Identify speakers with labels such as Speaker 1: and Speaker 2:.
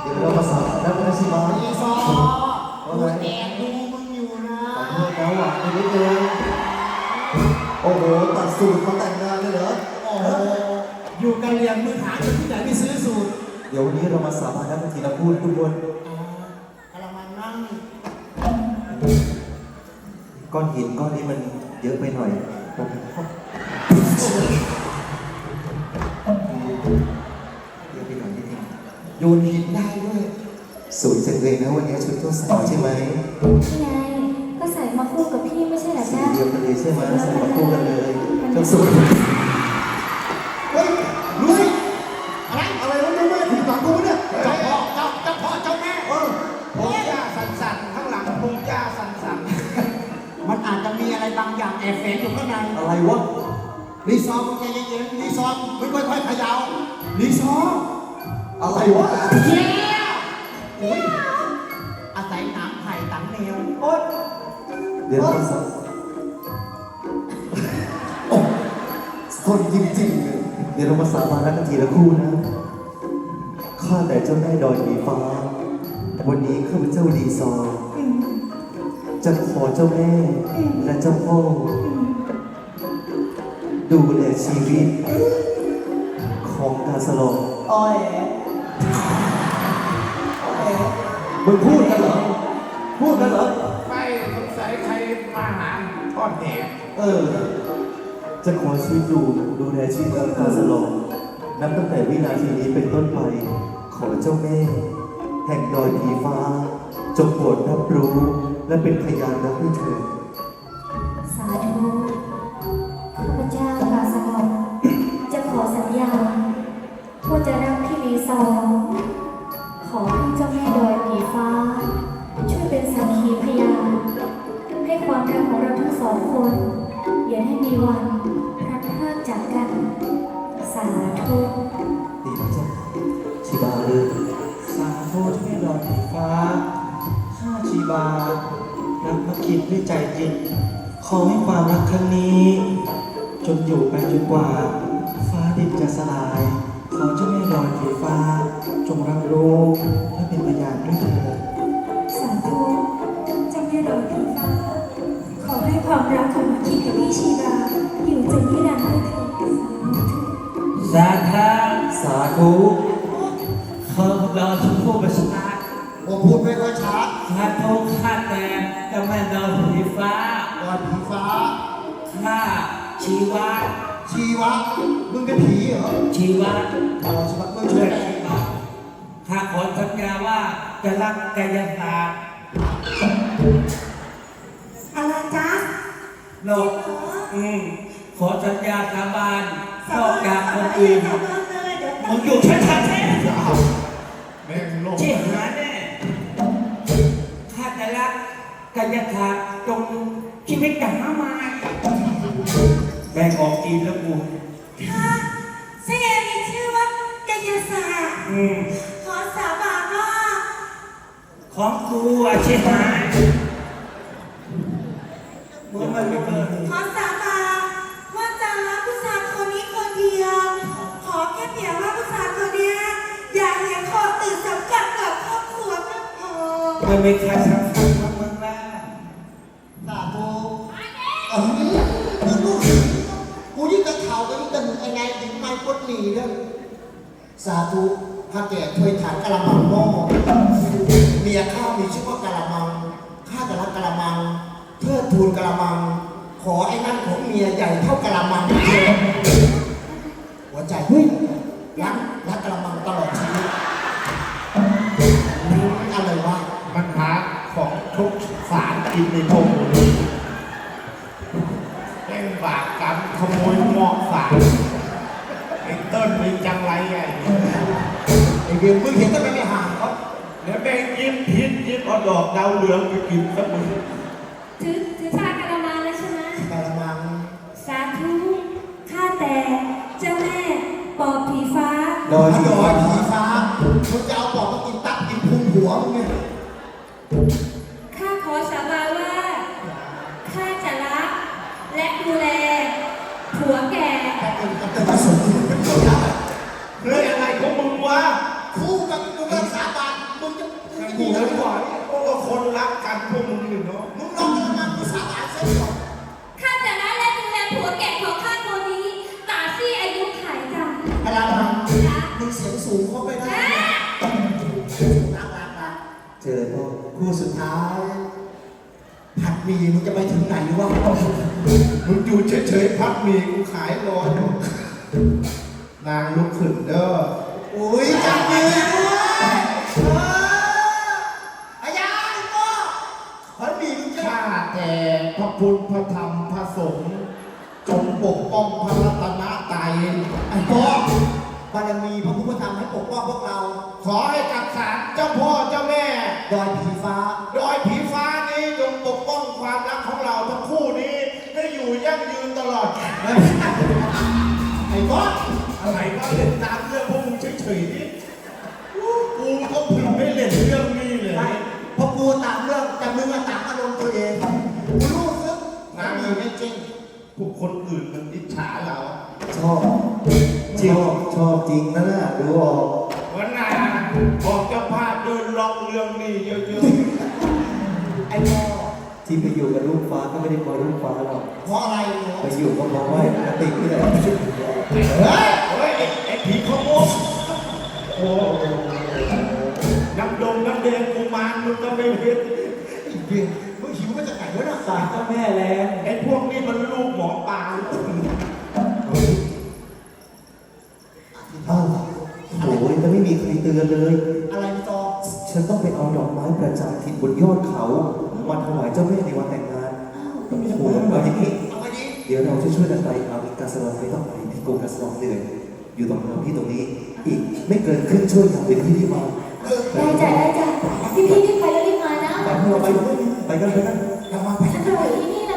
Speaker 1: ดี๋ยวเรามาสอบแล้วนะชิมา
Speaker 2: อีซอกูแอบดูมึงอยู่นะ
Speaker 1: ขอโทษแล้วอ่ะไปนิดเดียวโอ้โหตัดสูตรมาแต่งงานเลยเหรอ
Speaker 2: โอ้โหอยู่กันเรียนมือหาเงินที่ไหนไปซื้อสูตร
Speaker 1: เดี๋ยววันนี้เรามาสาบานกันทีละพูดทุกคน
Speaker 2: กระมังนั่ง
Speaker 1: ก้อนหินก้อนนี้มันเยอะไปหน่อยเยอะไปหน่อยนิดนึง
Speaker 2: โยนหินได้ด้วย
Speaker 1: สวยจังเลยนะวันนี้ชุดเจ้าสาวใช่ไหม
Speaker 3: ใช่ไงก็ใส่มาคู่กับพี่ไม่ใช่เหรอจ๊ะ
Speaker 1: เดียวกันเลยใช่ไหมใส่มาคู่กันเลยเจ้าสวย
Speaker 2: เฮ้ยรู้สิอะไรวะเนี่ยแม่ผิดหวังกูเนี่ยเจ้าพ่อเจ้าแม่พงหญ้าสั่นๆข้างหลังพงหญ้าสั่นๆมันอาจจะมีอะไรบางอย่างแอบแฝงอยู่ข้างใน
Speaker 1: อะไรวะ
Speaker 2: รีซอร์มึงใจเย็นๆรีซอร์ไม่ค่อยๆเขย่ารีซอร์
Speaker 1: อะไรวะ
Speaker 2: เฮียอุ้ยอาศัยน้ำไผ่ตังแนวโอ๊ย
Speaker 1: เดี๋ยวเราสักคนจริงๆเดี๋ยวเรามาสาบานกันทีละคู่นะข้าแต่เจ้าแม่ดอยผีฟ้าวันนี้ข้าพเจ้าดีซอจะขอเจ้าแม่และเจ้าพ่อดูแลชีวิตของกาสลอง
Speaker 2: อ้อย
Speaker 1: มึงพูดกันเหรอ
Speaker 2: ไม่สงสัยใครมาหาทอดแหน
Speaker 1: จะขอชีวิตดูแลชีวิตของกาสลองนับตั้งแต่วินาทีนี้เป็นต้นไปขอเจ้าแม่แห่งดอยผีฟ้าจงโปรดรับรู้และเป็นพยานรับให้เธอ
Speaker 3: สาธุข้าพเจ้ากาสลองจะขอสัญญาว่าจะรักพี่ลีซอขอให้เจ้าแม่ดอยผีฟ้าช่วยเป็นสักขีพยานให้ความรักของเราทั้งสองคนอย่าให้มีวันพลัดพรากจากกันสาธุ
Speaker 1: ดีนะจ๊ะชิบาเลย
Speaker 4: สาธุที่ไม่รอผีฟ้าข้าชีบารักมาคิดด้วยใจจริงขอให้ความรักครั้งนี้จนอยู่ไปจนกว่าฟ้าดินจะสลายขอเจ้าแม่รอยผีฟ้าจงรับรู้และเป็นพยานด้วยเถิด
Speaker 3: สาธุเจ้าแม่รอยผีฟ้าขอให้ความรักของมาคิดกับพี่ชีบาอยู่จนนิรันดร์ด้วยเถิด
Speaker 4: สาธุขอเราทุกผู้ประชา
Speaker 2: ผมพูดไม่ค่อยชัด
Speaker 4: สาธุข้าแต่เจ้าแม่รอยผีฟ้าข้าชีวะ
Speaker 2: มึงเป็นผีเหรอ
Speaker 4: ชีวะ
Speaker 2: มึงช่วย
Speaker 4: ข้าขอสัญญาว่าจะรักกายศาสตร์
Speaker 3: อะไรจ๊ะ
Speaker 4: โลกขอสัญญาสาบานนอกจากคนอื่นมึงอยู่ชัดๆแน่
Speaker 2: แม่งโลก
Speaker 4: เชี่ยหาแน่ข้าจะรักกายศาสตร์จงชีวิตอย่างมากมายแบ่งออกกินแล้วกู
Speaker 3: ค่ะเสียมีชื่อว่ากายศาสตร์ขอสาบานว่า
Speaker 4: ของกูอาชีพหายมึงมันไม่เกิน
Speaker 3: ขอสาบานว่าจะรักผู้ชายคนนี้คนเดียวขอแค่เพียงว่าผู้ชายคนนี้อย่าเลี้ยงคอตื่นสำคัญกับครอบครัวก็พอ
Speaker 4: ไม่มีใครสำคัญกับมึงแล้ว
Speaker 2: สาธุกูยิ่งกระเทาก็ยิ่งกระหนุกไงถึงไม่พ้นหนีเด้อสาธุพระแก่ถ้วยถานกะละมังหม้อเมียข้ามีชื่อว่ากะละมังข้าจะรักกะละมังเทิดทูนกะละมังขอไอ้นั่นของเมียใหญ่เท่ากะละมังหัวใจรักกะละมังตลอดชีวิตนี่อะไรวะมันหาของทุกสารกินในพงแม่งบาปกรรมขโมยหม้อสารไอ้ต้นมีจังไรไงไอ้เบี้ยมึงเห็นต้นไม่ห่างเขา
Speaker 4: เดี๋ยวแม่งยิ้มพิษยิ้มเอาดอกดาวเหลืองไปกินสักมือ
Speaker 3: ถือชากระมังเลยใช่ไหม
Speaker 2: กระมัง
Speaker 3: สาธุข้าแต่เจ้าแม่ปอบผีฟ้า
Speaker 2: ดอยผีฟ้ามึงจะเอาปอบมากินตับกินพุงหัวมึงเนี่ย
Speaker 3: ข้าขอสาบานว่าข้าจะรักและดูแลผัวแก่
Speaker 2: แต่ผสมเป็นตัวอย่าง
Speaker 4: เรื่องอะไรของมึงวะ
Speaker 2: คู่กับกูเลิกสาบานกู
Speaker 5: ฉั
Speaker 2: แล้ว
Speaker 5: นบอกพวกคนรักกันพวกมึงอยู่เนาะ
Speaker 2: มึงลองกระมังกูสาบานเส้นก่อน
Speaker 3: ข้าจะละและดูแลผัวแก่ของข้าตัวนี้ตราบที่อายุขัยจ้ะ
Speaker 2: กระมัง
Speaker 3: จ้ะ
Speaker 2: มึงเสียงสูงเข้าไปได้รัก
Speaker 1: เจอพ่อ
Speaker 2: คู่สุดท้ายผัดหมี่มึงจะไปถึงไหนวะ
Speaker 5: มึงอยู่เฉยๆพักมีกูขายรออยู่นางลุกขึ้นเด้อ
Speaker 2: อุ้ยจับมือด้วยอายาพ่อผัดหมี่มึงจะ
Speaker 5: ข้าแต่พระพุทธพระธรรมพระสงฆ์จงปกป้องพระรัตนตรัย
Speaker 2: ไอ้พ่อบารมีพระพุทธธรรมให้ปกป้องพวกเรา
Speaker 5: ขอให้กับศาลเจ้าพ่อเจ้าแม่
Speaker 2: ดอยผีฟ้า
Speaker 5: ดอยผีฟ้านี้จงปกป้องความรักของเราทั้งคู่นี้ให้อยู่ยั่งยืนตลอด
Speaker 2: ไอ้พ่อ
Speaker 5: อะไรก็เล่นตามเรื่องพวกมึงเฉยๆนี่กูก็พึงไม่เล่นเรื่องนี้เลย
Speaker 2: ไม่พอกูตามเรื่องแต่มึงอะตามอารมณ์ตัวเองกูรู้สึกน้ำมีไม่จริง
Speaker 5: พวกคนอื่นมันอิจฉาเรา
Speaker 1: ชอบชอบจริงนะน่ะดูออก
Speaker 5: วันน่ะบอกเจ้าภาพเดินลองเรื่องนี้เยอะ
Speaker 2: ไอ้พ่อ
Speaker 1: ที่ไปอยู่กับลูกฟ้าก็ไม่ได้เพราะลูกฟ้าหรอก
Speaker 2: เพราะอะไรเนาะ
Speaker 1: ไปอยู่ก็เพราะว่าปกตินี่แหละ
Speaker 5: ๆเฮ้ยไอ้ผีขโมยโอ้น้ำดงน้ำแดงกูมารมึงก็ไม่เห็น
Speaker 2: ไอ้เบี้ยมึงหิวมาจากไหนวะน่ะ
Speaker 4: สารเจ้าแม่แรง
Speaker 5: ไอ้พวกนี้มันลูกหมอปลา
Speaker 1: อ้าวโอ้ยแล้วไม่มีใครเตือนเลย
Speaker 2: อะไรพี่ตอ
Speaker 1: ฉันต้องไปเอาดอกไม้ประจำถิ่นบนยอดเขามาถวายเจ้าแม่ในวันแต่งงานโอ้โหเอาอย่างนี้
Speaker 2: เอาไปดิ
Speaker 1: เดี๋ยวเราจะช่วยกันไปเอาอีกกาสลองไม่ต้องไปที่โกกาสลองเหนื่อยอยู่ตรงเราที่ตรงนี้ อีกไม่เกินครึ่งชั่วโมงเป็นที่ที่มา
Speaker 3: ได้จ้ะได้จ้ะพี่รีบไปแล้วรีบมานะ
Speaker 1: แต่พวกเราไปกันไปกัน
Speaker 2: ระวังไป
Speaker 3: ฉันรออยู่ที่นี่